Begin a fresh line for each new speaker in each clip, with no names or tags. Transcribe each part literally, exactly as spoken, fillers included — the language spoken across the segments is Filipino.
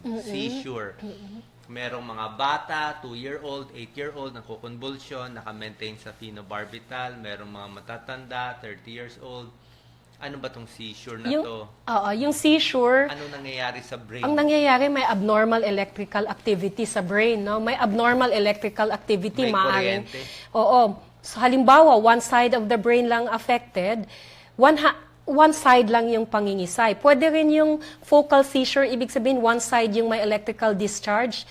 seizure. Merong mga bata, two-year-old, eight-year-old, nagko-convulsion, naka-maintain sa phenobarbital. Merong mga matatanda, thirty years old. Ano ba tong seizure na
Yung,
to?
oo, yung seizure,
Ano nangyayari sa brain?
ang nangyayari may abnormal electrical activity sa brain, no? May abnormal electrical activity,
May
maaaring.
kuryente.
Oo. So, halimbawa, one side of the brain lang affected, one ha- one side lang yung pangingisay. Pwede rin yung focal seizure, ibig sabihin one side yung may electrical discharge.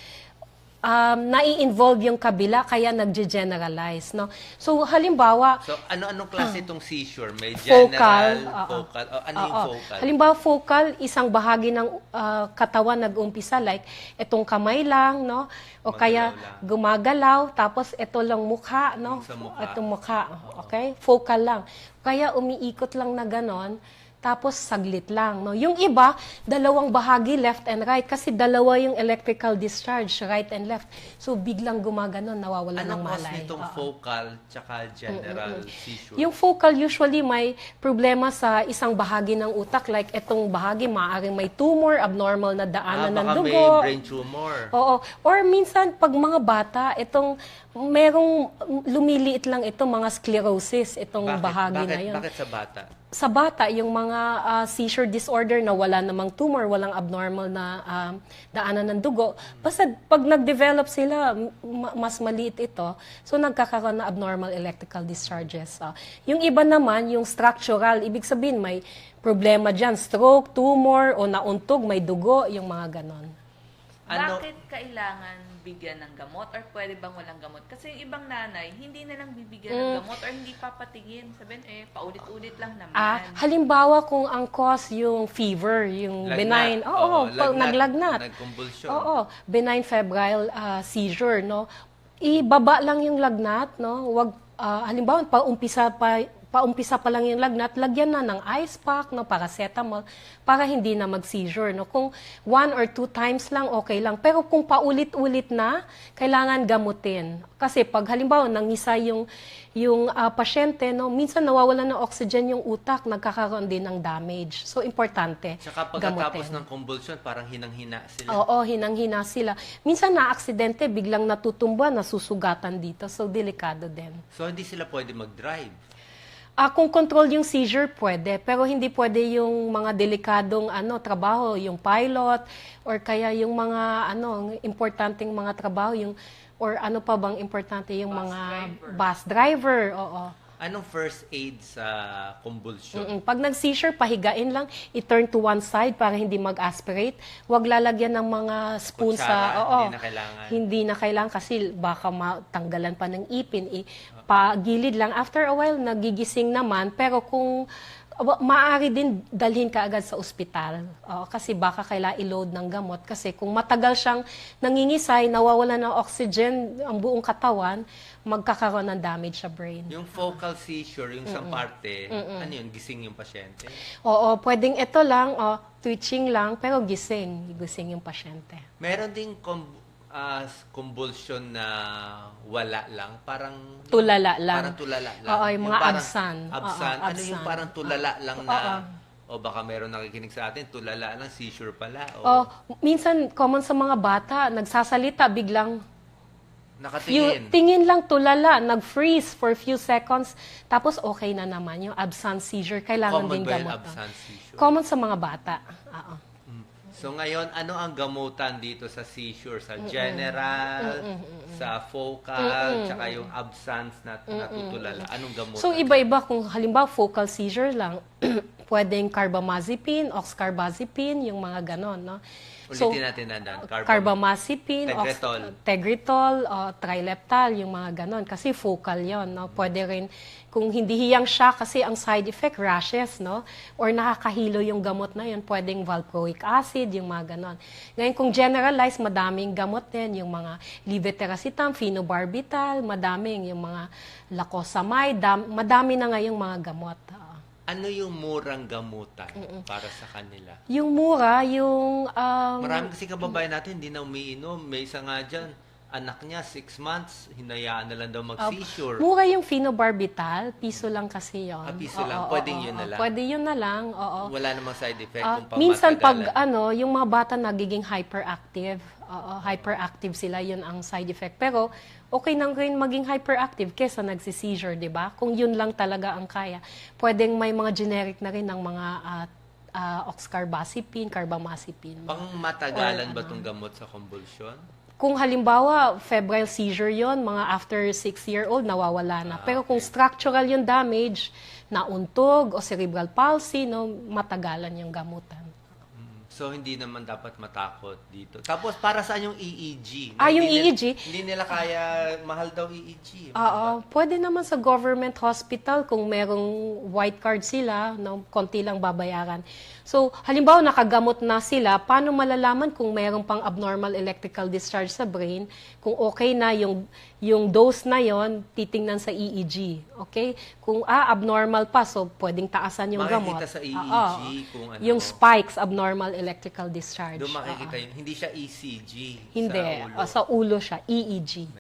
Um, nai-involve yung kabila, kaya nagge-generalize, no? So, halimbawa,
So, ano-anong klase itong seizure? May
Focal,
general,
oo.
focal. Oh, ano yung
Oo.
focal?
Halimbawa, focal, isang bahagi ng ah, katawan nag-umpisa, like itong kamay lang, no? O kaya
Gumagalaw lang.
gumagalaw, tapos ito lang mukha, no?
Yung sa mukha.
Itong mukha, okay? Focal lang. Kaya umiikot lang na ganon, tapos saglit lang, no? Yung iba, dalawang bahagi, left and right, kasi dalawa yung electrical discharge, right and left. So, biglang gumaganon, nawawalan ng
Anong cause
malay.
nitong
Oo.
focal tsaka general seizure?
Yung focal usually may problema sa isang bahagi ng utak, like itong bahagi maaaring may tumor, abnormal na
ah,
daanan ng
baka may
dugo.
brain tumor.
Oo. Or minsan pag mga bata, itong merong lumiliit lang ito mga sclerosis, itong
Bakit?
bahagi
bakit,
na yun.
Bakit sa bata?
Sa bata, yung mga ah, seizure disorder na wala namang tumor, walang abnormal na um, daanan ng dugo, basta pag nag-develop sila, ma- mas maliit ito, so nagkakaroon na abnormal electrical discharges. Ah, yung iba naman, yung structural, ibig sabihin may problema dyan, stroke, tumor, o nauntog, may dugo, yung mga ganon.
Ano?
Bakit kailangan bigyan ng gamot or pwede bang walang gamot? Kasi yung ibang nanay, hindi na lang bibigyan ng gamot or hindi papatingin. Sabihin, eh, paulit-ulit lang naman.
Ah, halimbawa kung ang cause yung fever, yung
Lagnat.
benign, oo, pag
lagnat,
naglagnat.
Nagconvulsion.
Oo, benign febrile ah, seizure, no? Ibaba lang yung lagnat, no? Wag ah, halimbawa paumpisa pa paumpisa pa lang yung lagnat, lagyan na ng ice pack, no, paracetamol para hindi na mag-seizure, no? Kung one or two times lang okay lang, pero kung paulit-ulit na, kailangan gamutin. Kasi pag halimbawa nangisa yung yung ah, pasyente, no, minsan nawawalan ng oxygen yung utak, nagkakaroon din ng damage. So importante.
Tsaka pagkatapos
gamutin.
ng convulsion, parang hinang-hina sila.
Oo, hinang-hina sila. Minsan na-aksidente, biglang natutumba, nasusugatan dito. So, delikado din.
So, hindi sila pwede mag-drive.
Ah, kung control yung seizure, pwede. Pero hindi pwede yung mga delikadong ano, trabaho, yung pilot, or kaya yung mga ano, importanteng mga trabaho, yung, or ano pa bang importante, yung
Bus
mga
driver.
bus driver. Oo.
Anong first aid sa convulsion?
Mm-mm. Pag nag-seizure, pahigain lang, i-turn to one side para hindi mag-aspirate. Huwag lalagyan ng mga spoon
Kutsara,
sa... Oo,
hindi na kailangan.
Hindi na kailangan kasi baka matanggalan pa ng ipin. I, pagilid lang. After a while, nagigising naman. Pero kung wa- maaari din dalhin ka agad sa ospital. Oo, kasi baka kailangan i-load ng gamot. Kasi kung matagal siyang nangingisay, nawawala ng oxygen ang buong katawan, magkakaroon ng damage sa brain.
Yung focal seizure, yung isang parte, ano yun, gising yung pasyente?
Oo, pwedeng ito lang, oh, twitching lang, pero gising. Gising yung pasyente.
Meron ding com- ah, convulsion na wala lang, parang...
Tulala lang.
Parang tulala lang.
Oo, yung mga
parang
absan.
Absan.
Oo,
Ano yung
absan.
parang tulala lang na...
Oo.
O baka meron nakikinig sa atin, tulala lang, seizure pala. O
Oh, minsan, common sa mga bata, nagsasalita, biglang few,
nakatingin.
tingin lang tulala, nag-freeze for few seconds, tapos okay na naman. Yung absent seizure, kailangan
Common
din
ba yung
gamot.
absent seizure?
Common sa mga bata. Oo.
So ngayon, ano ang gamutan dito sa seizure? Sa general, sa focal, tsaka yung absence na natutulala. Anong gamutan?
So, iba-iba. Kung halimbawa, focal seizure lang, pwedeng carbamazepine, oxcarbazepine, yung mga ganon, no?
Ulitin natin na dan.
Carbamazepine,
Tegretol.
ox- Tegretol, o trileptal, yung mga ganon. Kasi focal yon, no? Pwede rin, kung hindi hiyang siya, kasi ang side effect, rashes, no? Or nakakahilo yung gamot na yun, pwedeng valproic acid, yung mga ganon. Ngayon, kung generalize, madaming gamot din, yung mga levetiracetam, phenobarbital, madaming, yung mga lacosamide, dam- madami na ngayong mga gamot. Oo.
Ano yung murang gamutan para sa kanila?
Yung mura, yung... um,
Marami kasi kababayan natin hindi na umiinom. May isa nga dyan, anak niya, six months, hinayaan na lang daw
Uh,
mag-seizure.
mura yung phenobarbital, piso lang kasi yon.
Ah, piso lang. Pwedeng yun na lang?
Pwede yun na lang, oo.
Wala namang side effect
Ah,
kung
minsan pag
pamatagalan.
ano, yung mga bata nagiging hyperactive, oo, hyperactive sila, yun ang side effect. Pero okay nang rin maging hyperactive kesa nagsi-seizure, 'di ba? Kung yun lang talaga ang kaya. Pwedeng may mga generic na rin ng mga uh, uh, oxcarbazepine, carbamazepine.
Pang matagalan
Or
ba
ano.
itong gamot sa convulsion?
Kung halimbawa, febrile seizure yon, mga after six-year-old, nawawala na.
Ah,
Pero kung structural yung damage, nauntog o cerebral palsy, no, matagalan yung gamutan.
So, hindi naman dapat matakot dito. Tapos, para saan yung E E G?
Ah, yung
Hindi
E E G?
nila- Hindi nila kaya, mahal daw E E G.
Oo, pwede naman sa government hospital kung merong white card sila, no, konti lang babayaran. So, halimbawa nakagamot na sila, paano malalaman kung merong pang abnormal electrical discharge sa brain? Kung okay na yung yung dose na yon, titingnan sa E E G. Okay? Kung ah abnormal pa, so pwedeng taasan yung
Makikita
gamot.
sa E E G
Oo.
kung ano.
Yung spikes, abnormal electrical discharge.
Doon makikita
Oo.
yun. Hindi siya E C G.
Hindi,
Sa ulo.
O, sa ulo siya, E E G.